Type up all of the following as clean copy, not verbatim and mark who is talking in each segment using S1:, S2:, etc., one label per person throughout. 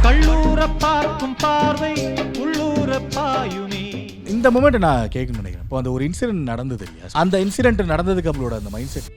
S1: கள்ளூர பார்க்கும் பார்வை உள்ளூர பாயுமே.
S2: இந்த மொமெண்ட் நான் கேட்கணும்னு நினைக்கிறேன். இப்போ அந்த ஒரு இன்சிடென்ட் நடந்தது இல்லையா, அந்த இன்சிடென்ட் நடந்ததுக்கு அவளோட அந்த மைண்ட் செட்.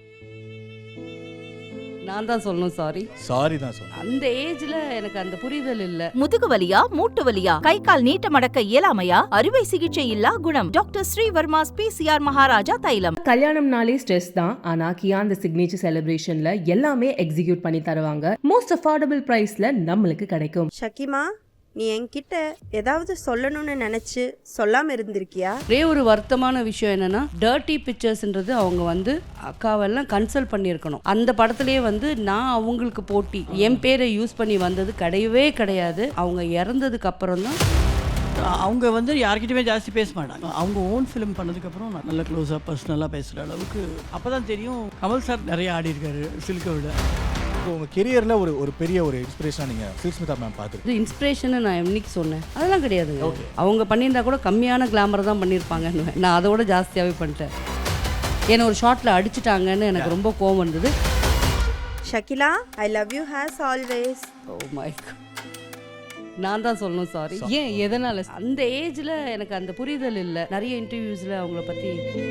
S3: நான் தான் சொல்லணும்
S2: சாரி தான் சொல்லணும்.
S3: அந்த ஏஜ்ல எனக்கு அந்த புரிதல் இல்ல.
S4: முதுகு வலியா, மூட்டு வலியா, கை கால் நீட்ட மடக்க இயலாமையா, அறுவை சிகிச்சை இல்லா குணம். டாக்டர் ஸ்ரீவர்மாஸ் PCR மகாராஜா தைலம்.
S5: கல்யாணம்னாலே ஸ்ட்ரெஸ் தான். ஆனா கியா அந்த சிக்னேச்சர் செலிப்ரேஷன்ல எல்லாமே எக்ஸிக்யூட் பண்ணி தருவாங்க. மோஸ்ட் அஃபோர்டபுள் பிரைஸ்ல நம்மளுக்கு கிடைக்கும்.
S6: ஷகிமா, நீ என்கிட்ட ஏதாவது சொல்லணும்னு நினைச்சு சொல்லாம இருந்திருக்கியா?
S3: ஒரே ஒரு வருத்தமான விஷயம் என்னன்னா, டர்ட்டி பிக்சர்ஸ்ன்றது அவங்க வந்து அக்காவெல்லாம் கன்சல்ட் பண்ணியிருக்கணும். அந்த படத்திலேயே வந்து நான் அவங்களுக்கு போட்டி என் பேரை யூஸ் பண்ணி வந்தது கிடையவே கிடையாது. அவங்க இறந்ததுக்கு அப்புறம் தான்
S7: அவங்க வந்து யார்கிட்டயுமே ஜாஸ்தி பேச மாட்டாங்க. அவங்க ஓன் ஃபிலிம் பண்ணதுக்கப்புறம் நல்ல க்ளோஸாக பர்சனலாக பேசுகிற அளவுக்கு அப்போ தான் தெரியும். கமல் சார் நிறைய ஆடி இருக்காரு சில்கை விட.
S2: உங்கள் கெரியரில் ஒரு பெரிய ஒரு இன்ஸ்பிரேஷனாக நீங்கள் சில்க்ஸ்மிதா மேம் பார்த்துருக்கு.
S3: இது இன்ஸ்பிரேஷன் நான் என்னைக்கு சொன்னேன்? அதெல்லாம் கிடையாதுங்க. அவங்க பண்ணியிருந்தா கூட கம்மியான கிளாமர் தான் பண்ணியிருப்பாங்கன்னு, நான் அதோட ஜாஸ்தியாகவே பண்ணிட்டேன். என்னை ஒரு ஷார்ட்டில் அடிச்சிட்டாங்கன்னு எனக்கு ரொம்ப கோவம் வந்தது.
S6: Shakila, I love you as always.
S3: Oh my god, நான் தான் சொல்லணும் சாரி. ஏன், எதனால? அந்த ஏஜ்ல எனக்கு அந்த புரிதல் இல்லை. நிறைய இன்டர்வியூஸ்ல அவங்கள பத்தி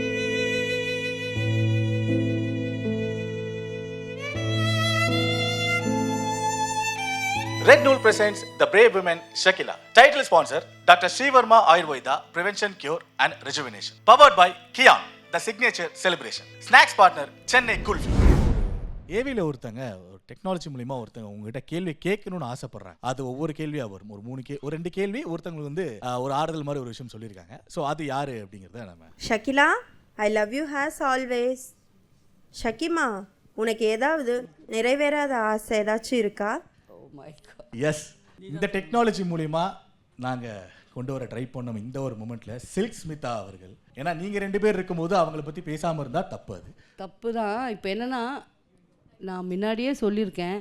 S2: Red Nool presents The Brave Women Shakila. Title sponsor Dr. Srivarma Ayurveda Prevention, Cure and Rejuvenation. Powered by Kian, the signature celebration. Snacks partner Chennai Kulfi. ஏவியில் ஒருத்தங்க டெக்னாலஜி மூலிமா ஒருத்தங்க உங்ககிட்ட கேள்வி கேட்கணும்னு ஆசைப்படுறாங்க. அது ஒவ்வொரு கேள்வியாக வரும். ஒரு 2 கேள்வி ஒருத்தவங்களுக்கு வந்து ஒரு ஆறுதல் மாதிரி ஒரு விஷயம் சொல்லியிருக்காங்க. ஸோ அது யாரு அப்படிங்கிறத நம்ம.
S6: Shakila, I love you as always. ஷகிமா, உனக்கு ஏதாவது நிறைவேறாத ஆசை ஏதாச்சும் இருக்கா?
S2: எஸ், இந்த டெக்னாலஜி மூலிமா நாங்கள் கொண்டு வர ட்ரை பண்ணோம் இந்த ஒரு மூமெண்ட்ல சில்க்ஸ்மிதா அவர்கள். ஏன்னா நீங்கள் 2 பேர் இருக்கும்போது அவங்கள பற்றி பேசாமல் இருந்தால் தப்பு. அது
S3: தப்பு தான். இப்போ என்னென்னா, நான் முன்னாடியே சொல்லியிருக்கேன்,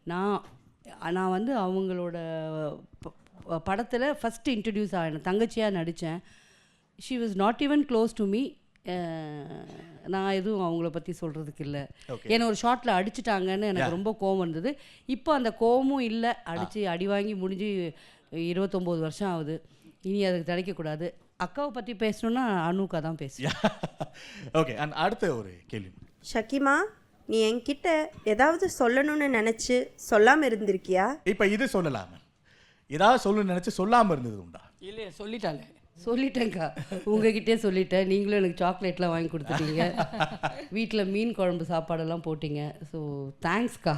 S3: நான் வந்து அவங்களோட படத்தில் ஃபஸ்ட்டு இன்ட்ரடியூஸ் ஆகினேன், தங்கச்சியாக நடித்தேன். She was not even close to me. நான் எதுவும் அவங்கள பற்றி சொல்கிறதுக்கு இல்லை. என்னை ஒரு ஷார்ட்டில் அடிச்சிட்டாங்கன்னு எனக்கு ரொம்ப கோவம் வந்தது. இப்போ அந்த கோவமும் இல்லை. அடி வாங்கி முடிஞ்சு 29 வருஷம் ஆகுது. இனி அதுக்கு கிடைக்கக்கூடாது. அக்காவை பற்றி பேசணுன்னா அனுக்கா தான் பேசுவேன்.
S2: ஓகே, அண்ட் அடுத்த ஒரு கேள்வி.
S6: ஷகிமா, நீ என்கிட்ட ஏதாவது சொல்லணும்னு நினைச்சு சொல்லாம இருந்திருக்கியா?
S2: இப்போ இது சொல்லலாம, ஏதாவது சொல்லணும்னு நினைச்சு சொல்லாமல் இருந்தது உண்டா?
S7: இல்லையே,
S3: சொல்லிட்டேங்க்கா, உங்ககிட்டே சொல்லிட்டேன். நீங்களும் எனக்கு சாக்லேட்லாம் வாங்கி கொடுத்துட்டீங்க, வீட்டில் மீன் குழம்பு சாப்பாடெல்லாம் போட்டிங்க. ஸோ தேங்க்ஸ்க்கா.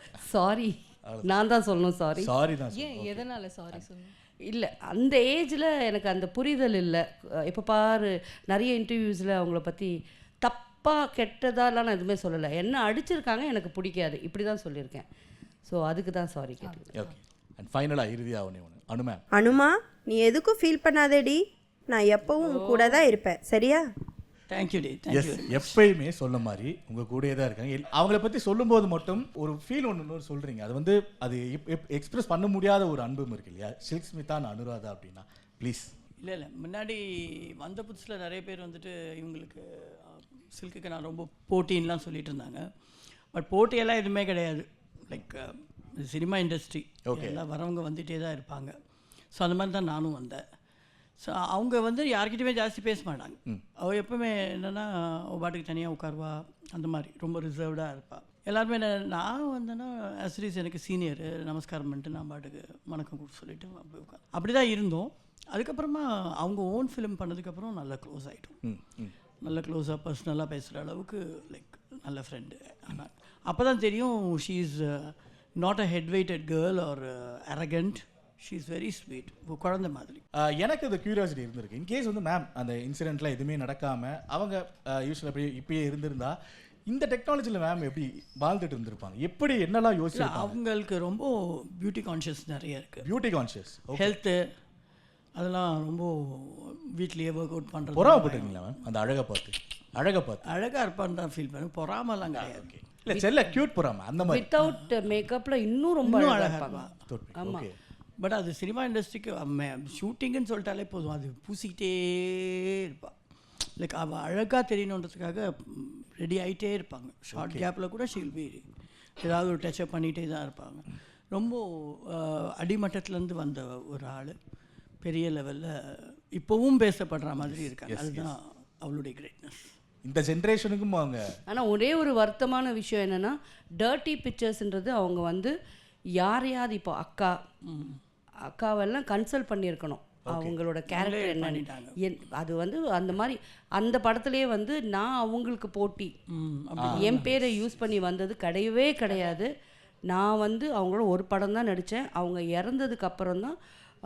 S3: சாரி, நான் தான் சொல்லணும் சாரி
S2: தான்.
S3: ஏன், எதனால் சாரி சொல்லணும்? இல்லை, அந்த ஏஜில் எனக்கு அந்த புரிதல் இல்லை. இப்போ பாரு, நிறைய இன்டர்வியூஸில் அவங்கள பற்றி தப்பாக கெட்டதாலாம் நான் எதுவுமே சொல்லலை. என்ன அடிச்சிருக்காங்க, எனக்கு பிடிக்காது, இப்படி தான் சொல்லியிருக்கேன். ஸோ அதுக்கு தான் சாரி கேட்டேன்.
S2: ஓகே, அண்ட் ஃபைனலாக இறுதியாக ஒன்று அனுமேம்.
S6: அனுமா, நீ எதுக்கும் ஃபீல் பண்ணாதேடி. நான் எப்பவும் கூட தான் இருப்பேன், சரியா?
S7: Thank you D.
S2: எஸ், எப்பயுமே சொல்ல மாதிரி உங்கள் கூடயே தான் இருக்காங்க. அவங்கள பற்றி சொல்லும்போது மட்டும் ஒரு ஃபீல் ஒன்று சொல்கிறீங்க. அது வந்து அது எக்ஸ்பிரஸ் பண்ண முடியாத ஒரு அன்பும் இருக்கு இல்லையா, சில்க்ஸ்மிதா அனுராதா அப்படின்னா. ப்ளீஸ்.
S7: இல்லை, முன்னாடி வந்த புதுசில் நிறைய பேர் வந்துட்டு இவங்களுக்கு சில்க்குக்கு நான் ரொம்ப போட்டின்லாம் சொல்லிட்டு இருந்தாங்க. பட் போட்டியெல்லாம் எதுவுமே கிடையாது. லைக் சினிமா இண்டஸ்ட்ரி எல்லாம் வரவங்க வந்துகிட்டே தான் இருப்பாங்க. ஸோ அந்த மாதிரி தான் நானும் வந்தேன். ஸோ அவங்க வந்து யார்கிட்டையுமே ஜாஸ்தி பேச மாட்டாங்க. அவள் எப்போவுமே என்னென்னா பாட்டுக்கு தனியாக உட்காருவா, அந்த மாதிரி ரொம்ப ரிசர்வ்டாக இருப்பாள். எல்லாருமே நான் வந்தேன்னா அஸ்ரீஸ் எனக்கு சீனியரு, நமஸ்காரம் பண்ணிட்டு நான் பாட்டுக்கு வணக்கம் கொடுத்து சொல்லிவிட்டு அப்படி உட்கார் அப்படி தான் இருந்தோம். அதுக்கப்புறமா அவங்க ஓன் ஃபிலிம் பண்ணதுக்கப்புறம் நல்லா க்ளோஸ் ஆகிட்டோம். நல்ல க்ளோஸாக பர்சனலாக பேசுகிற அளவுக்கு லைக் நல்ல ஃப்ரெண்டு. ஆனால் அப்போ தான் தெரியும், she is not a head weighted girl or arrogant. She is very sweet, குழந்தை மாதிரி.
S2: எனக்கு அது க்யூரியாசிட்டி இருந்திருக்கு. இன்கேஸ் வந்து மேம் அந்த இன்சிடென்ட்லாம் எதுவுமே நடக்காமல் அவங்க யூஸ்வலாக அப்படி இப்பயே இருந்திருந்தா இந்த டெக்னாலஜியில் மேம் எப்படி வாழ்ந்துட்டு இருந்திருப்பாங்க, எப்படி என்னெல்லாம் யோசிச்சு?
S7: அவங்களுக்கு ரொம்ப பியூட்டி கான்ஷியஸ் நிறைய இருக்குது.
S2: பியூட்டி கான்ஷியஸ்,
S7: ஹெல்த்து, அதெல்லாம் ரொம்ப வீட்லேயே ஒர்க் அவுட் பண்ணுறது.
S2: பொறாமப்பட்டிருக்கீங்களா மேம் அந்த அழகாக
S7: இருப்பான்னு தான் ஃபீல் பண்ணேன். பொறாமலாம் கிடையாது.
S2: இல்லை, செல்ல க்யூட் பொறாம அந்த மாதிரி.
S3: வித்தவுட் மேக்கப்பில் இன்னும் ரொம்ப அழகாக இருப்பாங்க.
S2: ஆமாம்.
S7: பட் அது சினிமா இண்டஸ்ட்ரிக்கு ஷூட்டிங்குன்னு சொல்லிட்டாலே போதும், அது பூசிக்கிட்டே இருப்பாள். லைக் அவள் அழகாக தெரியணுன்றதுக்காக ரெடி ஆகிட்டே இருப்பாங்க. ஷார்ட் கேப்பில் கூட ஷீல் பி ஏதாவது ஒரு டச்சப் பண்ணிகிட்டே தான் இருப்பாங்க. ரொம்ப அடிமட்டத்துலேருந்து வந்த ஒரு ஆள் பெரிய லெவலில் இப்போவும் பேசப்படுற மாதிரி இருக்காங்க. அதுதான் அவளுடைய கிரேட்னஸ்.
S2: இந்த ஜென்ரேஷனுக்கும் அவங்க.
S3: ஆனால் ஒரே ஒரு வருத்தமான விஷயம் என்னென்னா, டர்ட்டி பிக்சர்ஸ்ன்றது அவங்க வந்து யாரையாவது இப்போ அக்காவெல்லாம் கன்சல்ட் பண்ணியிருக்கணும் அவங்களோட கேரக்டர் என்னன்னு. அது வந்து அந்த மாதிரி அந்த படத்துலேயே வந்து நான் அவங்களுக்கு போட்டி என் பேரை யூஸ் பண்ணி வந்தது கிடையவே கிடையாது. நான் வந்து அவங்களோட ஒரு படம் தான் நடித்தேன். அவங்க இறந்ததுக்கு அப்புறம் தான்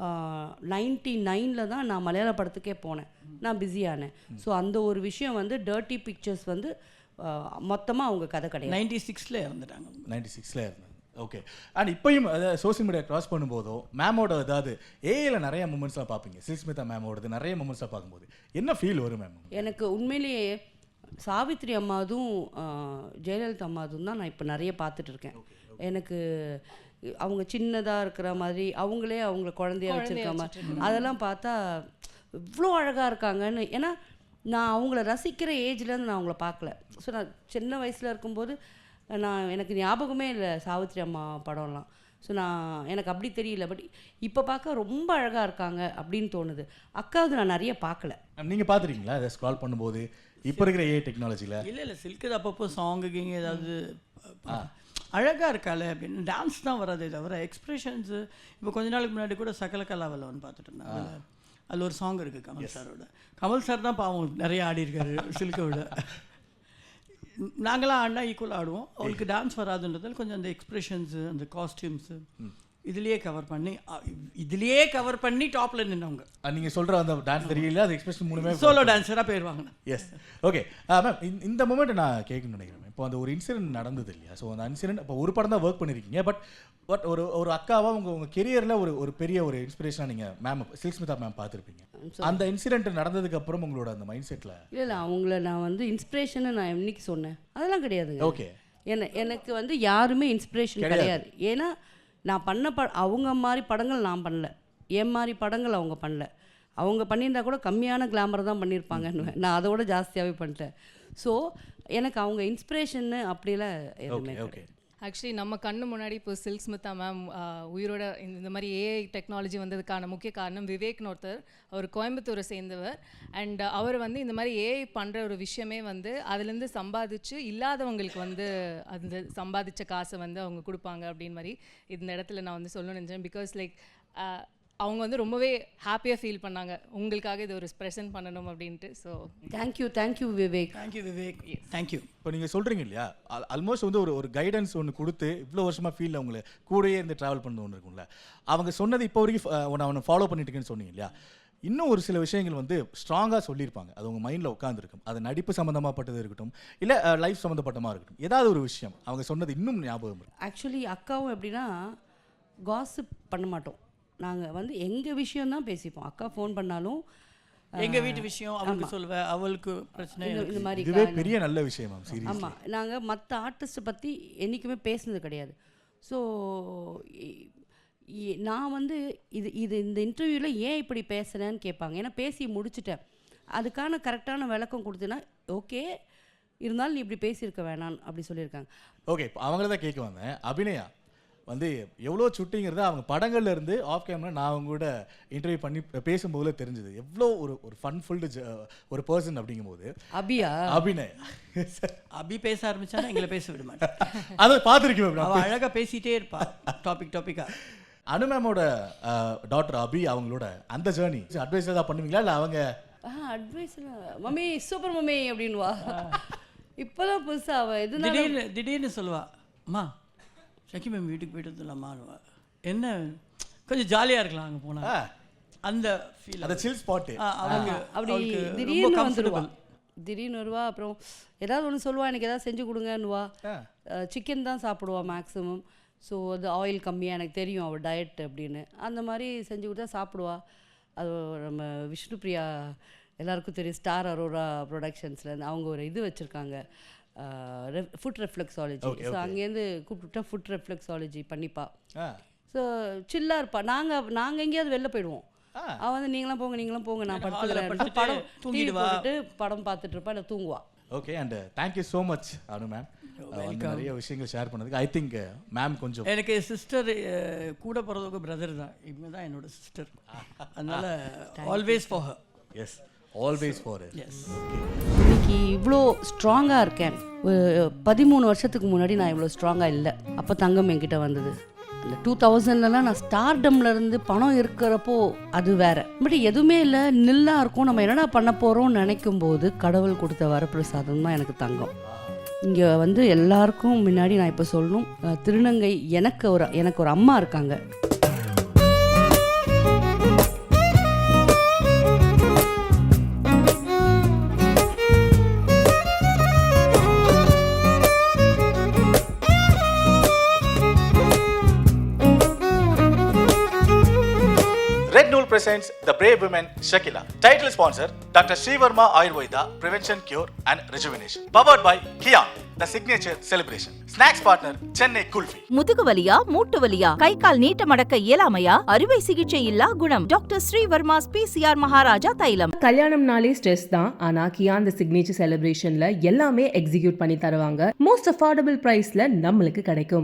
S3: 99 தான் நான் மலையாள படத்துக்கே போனேன். நான் பிஸியானேன். ஸோ அந்த ஒரு விஷயம் வந்து டர்ட்டி பிக்சர்ஸ் வந்து மொத்தமாக அவங்க கதை கிடையாது.
S7: 96ல் இறந்துட்டாங்க.
S2: 96ல் இருந்தாங்க. ஓகே. அண்ட் இப்போயும் அதாவது சோஷியல் மீடியா க்ராஸ் பண்ணும்போதோ மேமோட ஏதாவது ஏஐல நிறைய மூமெண்ட்ஸ்லாம் பார்ப்பீங்க. சில்ஸ்மிதா மேமோடது நிறைய மூமெண்ட்ஸாக பார்க்கும்போது என்ன ஃபீல் வரும் மேம்?
S3: எனக்கு உண்மையிலேயே சாவித்ரி அம்மாதும் ஜெயலலிதா அம்மாதும் தான் நான் இப்போ நிறைய பார்த்துட்டு இருக்கேன். எனக்கு அவங்க சின்னதாக இருக்கிற மாதிரி அவங்களே அவங்கள குழந்தைய வச்சுருக்க மாதிரி அதெல்லாம் பார்த்தா இவ்வளோ அழகாக இருக்காங்கன்னு. ஏன்னா நான் அவங்கள ரசிக்கிற ஏஜ்லேருந்து நான் அவங்கள பார்க்கல. ஸோ நான் சின்ன வயசில் இருக்கும்போது எனக்கு ஞாபகமே இல்லை சாவித்ரி அம்மா படம்லாம். ஸோ எனக்கு அப்படி தெரியல. பட் இப்போ பார்க்க ரொம்ப அழகாக இருக்காங்க அப்படின்னு தோணுது. அக்காவது நான் நிறைய பார்க்கல.
S2: நீங்கள் பார்த்துருக்கீங்களா அதை ஸ்க்ரால் பண்ணும்போது இப்போ இருக்கிற ஏஐ டெக்னாலஜியில்?
S7: இல்லை சில்க்கு அப்பப்போ சாங்குக்கு ஏதாவது அழகாக இருக்காளே அப்படின்னு. டான்ஸ் தான் வராதே தவிர எக்ஸ்ப்ரெஷன்ஸு. இப்போ கொஞ்ச நாளுக்கு முன்னாடி கூட சகல கலாவில் வந்து பார்த்துட்டு இருந்தாங்க. அதில் ஒரு சாங் இருக்குது கமல் சாரோட. கமல் சார் தான் பாவம் நிறைய ஆடி இருக்காரு சில்கை விட. நாங்களாம் ஆடினா ஈக்குவலாக ஆடுவோம். அவளுக்கு டான்ஸ் வராதுன்றதால் கொஞ்சம் அந்த எக்ஸ்ப்ரெஷன்ஸு அந்த காஸ்டியூம்ஸு இதுலேயே கவர் பண்ணி டாப்பில் நின்றவங்க.
S2: நீங்கள் சொல்கிற அந்த டான்ஸ் தெரியல, அது எக்ஸ்பிரஷன் மூலமே
S7: சோலோ டான்ஸராக போயிடுவாங்க.
S2: எஸ். ஓகே மேம், இந்த மூமெண்ட் நான் கேட்கணும்னு நினைக்கிறேன். இப்போ அந்த ஒரு இன்சிடென்ட் நடந்தது இல்லையா? ஸோ அந்த இன்சிடென்ட் இப்போ ஒரு படம் தான் ஒர்க் பண்ணியிருக்கீங்க. பட் ஒரு அக்காவாக உங்கள் கெரியரில் ஒரு பெரிய ஒரு இன்ஸ்பிரேஷனாக நீங்கள் மேம் சில்ஸ்மிதா மேம் பார்த்துருப்பீங்க. அந்த இன்சிடென்ட் நடந்ததுக்கு அப்புறம் உங்களோட அந்த மைண்ட் செட்டில்?
S3: இல்லை அவங்கள நான் வந்து இன்ஸ்பிரேஷனை நான் இன்னைக்கு சொன்னேன் அதெல்லாம் கிடையாது.
S2: ஓகே.
S3: எனக்கு வந்து யாருமே இன்ஸ்பிரேஷன் கிடையாது. ஏன்னா நான் பண்ண அவங்க மாதிரி படங்கள் நான் பண்ணல, என் மாதிரி படங்கள் அவங்க பண்ணல. அவங்க பண்ணியிருந்தா கூட கம்மியான கிளாமர் தான் பண்ணியிருப்பாங்கன்னு, நான் அதோட ஜாஸ்தியாகவே பண்ணிட்டேன். ஸோ எனக்கு அவங்க இன்ஸ்பிரேஷன்னு அப்படிலாம் எதுவுமே.
S2: ஓகே.
S8: ஆக்சுவலி நம்ம கண்ணு முன்னாடி இப்போ சில்ஸ்மிதா மேம் உயிரோட இந்த மாதிரி ஏஐ டெக்னாலஜி வந்ததுக்கான முக்கிய காரணம் விவேக்னு ஒருத்தர். அவர் கோயம்புத்தூரை சேர்ந்தவர். அண்ட் அவர் வந்து இந்த மாதிரி ஏஐ பண்ணுற ஒரு விஷயமே வந்து அதுலேருந்து சம்பாதிச்சு இல்லாதவங்களுக்கு வந்து அந்த சம்பாதிச்ச காசை வந்து அவங்க கொடுப்பாங்க அப்படின்னு மாதிரி இந்த இடத்துல நான் வந்து சொல்லணும்னு நினச்சேன். பிகாஸ் லைக் அவங்க வந்து ரொம்பவே ஹாப்பியாக ஃபீல் பண்ணாங்க உங்களுக்காக இது ஒரு ப்ரெசென்ட் பண்ணணும் அப்படின்ட்டு. So
S3: thank you Vivek.
S7: தேங்க்யூ.
S2: இப்போ நீங்கள் சொல்கிறீங்க இல்லையா, ஆல்மோஸ்ட் வந்து ஒரு கைடன்ஸ் ஒன்று கொடுத்து இவ்வளோ வருஷமாக ஃபீல்டில் அவங்கள கூடயே இருந்து ட்ராவல் பண்ண ஒன்று இருக்கும்ல, அவங்க சொன்னது இப்போ வரைக்கும் அவனை ஃபாலோ பண்ணிட்டுருக்கேன்னு சொன்னீங்க இல்லையா. இன்னும் ஒரு சில விஷயங்கள் வந்து ஸ்ட்ராங்காக சொல்லியிருப்பாங்க, அது உங்கள் மைண்டில் உட்காந்துருக்கும். அது நடிப்பு சம்மந்தமாகப்பட்டது இருக்கட்டும், இல்லை லைஃப் சம்மந்தப்பட்டமாக இருக்கட்டும், ஏதாவது ஒரு விஷயம் அவங்க சொன்னது இன்னும் ஞாபகம் இருக்கும்.
S3: ஆக்சுவலி அக்காவும் எப்படின்னா காசிப் பண்ண மாட்டோம். நாங்கள் வந்து எங்கள் விஷயம்தான் பேசிப்போம். அக்கா ஃபோன் பண்ணாலும்
S7: எங்கள் வீட்டு விஷயம் அவளுக்கு சொல்லுவேன், அவளுக்கு பிரச்சனை
S3: இந்த மாதிரி.
S2: இதுவே பெரிய நல்ல விஷயம்.
S3: ஆமாம், நாங்கள் மற்ற ஆர்டிஸ்ட்டை பற்றி என்றைக்குமே பேசுனது கிடையாது. ஸோ நான் வந்து இந்த இன்டர்வியூவில் ஏன் இப்படி பேசுகிறேன்னு கேட்பாங்க. ஏன்னா பேசி முடிச்சுட்டேன், அதுக்கான கரெக்டான விளக்கம் கொடுத்தேன்னா ஓகே, இருந்தாலும் நீ இப்படி பேசியிருக்க வேணான்னு அப்படி சொல்லியிருக்காங்க.
S2: ஓகே, இப்போ அவங்கள தான் கேட்க வந்தேன். அபிநயா வந்து எவ்வளோ சுட்டிங்கிறது அவங்க படங்கள்ல இருந்து ஆஃப் கேமரா நான் அவங்க கூட இன்டர்வியூ பண்ணி பேசும்போது தெரிஞ்சது எவ்வளோ ஒரு ஃபன்ஃபுல்டு ஒரு பர்சன் அப்படிங்கும்போது. அபிநயா
S7: அபி பேச ஆரம்பிச்சானா எங்களை பேச விட மாட்டேன்.
S2: அதை பார்த்துருக்கேன்.
S7: அவள் அழகாக பேசிகிட்டே இருப்பா டாப்பிக்காக.
S2: அனு மேமோட டாக்டர் அபி அவங்களோட அந்த ஜேர்னி அட்வைஸ் ஏதாவது பண்ணுவீங்களா? இல்லை அவங்க
S3: அட்வைஸ் மம்மி சூப்பர் மம்மி அப்படின்வா. இப்போதான் புதுசாக அவள் எது
S7: திடீர்னு சொல்லுவா, அம்மா ஷக்கி மேம் வீட்டுக்கு போயிட்டு வந்துடலாமா, என்ன கொஞ்சம் ஜாலியாக இருக்கலாம் அங்கே போனால் அந்த ஃபீல், அந்த
S2: சில் ஸ்பாட்டு
S3: அப்படி திடீர்னு வந்துடுவா. திடீர்னு வருவா, அப்புறம் ஏதாவது ஒன்று சொல்லுவா, எனக்கு ஏதாவது செஞ்சு கொடுங்கன்னுவா. சிக்கன் தான் சாப்பிடுவா மேக்ஸிமம். ஸோ அது ஆயில் கம்மியாக எனக்கு தெரியும் அவள் டயட் அப்படின்னு, அந்த மாதிரி செஞ்சு கொடுத்தா சாப்பிடுவா. அது நம்ம விஷ்ணுப்ரியா எல்லாருக்கும் தெரியும், ஸ்டார் அரோரா ப்ரொடக்ஷன்ஸில் அவங்க ஒரு இது வச்சுருக்காங்க, ஃபுட் ரெஃப்ளெக்ஸாலஜி. ஸோ அங்கேருந்து கூப்பிட்டுட்டா ஃபுட் ரெஃப்ளெக்ஸாலஜி பண்ணிப்பா. ஸோ சில்லாக இருப்பா. நாங்கள் எங்கேயாவது வெளில போயிடுவோம், அவள் வந்து நீங்களாம் போங்க நான் படுத்துக்கிறேன், படம் டிவி போட்டுட்டு படம் பார்த்துட்டு இருப்பா, இல்லை தூங்குவா.
S2: Okay and thank you so much Anu ma'am வந்து நிறைய விஷயங்கள் ஷேர் பண்ணதுக்கு. ஐ திங்க் மேம் கொஞ்சம்
S7: எனக்கு சிஸ்டர் கூட பிறந்தவங்க பிரதர் தான், இவங்க தான் என்னோட சிஸ்டர், அதனால் always for her.
S2: Yes always for
S7: yes.
S3: இன்னைக்கு இவ்வளோ ஸ்ட்ராங்காக இருக்கேன். 13 வருஷத்துக்கு முன்னாடி நான் இவ்வளோ ஸ்ட்ராங்காக இல்லை. அப்போ தங்கம் என்கிட்ட வந்தது. அந்த 2000லலாம் நான் ஸ்டார்டம்லேருந்து பணம் இருக்கிறப்போ அது வேற. பட் எதுவுமே இல்லை, நில்லாக இருக்கும். நம்ம என்னடா பண்ண போகிறோம்னு நினைக்கும் போது கடவுள் கொடுத்த வரப்பிரசாதம் தான் எனக்கு தங்கம். இங்கே வந்து எல்லாருக்கும் முன்னாடி நான் இப்போ சொல்லணும், திருநங்கை எனக்கு ஒரு அம்மா இருக்காங்க.
S2: Red Nool presents The Brave Women Shakila. Title sponsor Dr. Srivarma Ayurveda Prevention Cure and Rejuvenation. Powered by Kian, the signature celebration. Snacks partner Chennai Kulfi.
S4: முதுகு வலியா, மூட்டு வலியா, கை கால் நீட்ட மடக்க இயலாமையா, அறுவை சிகிச்சை இல்லா குணம். டாக்டர் ஸ்ரீவர்மாஸ் பிசிஆர் மகாராஜா தைலம்.
S5: கல்யாணம்னாலே ஸ்ட்ரெஸ் தான், ஆனா கியான் தி சிக்னேச்சர் செலிப்ரேஷன்ல எல்லாமே எக்ஸிக்யூட் பண்ணி தருவாங்க. மோஸ்ட் அஃபோர்டபுள் பிரைஸ்ல நம்மளுக்கு கிடைக்கும்.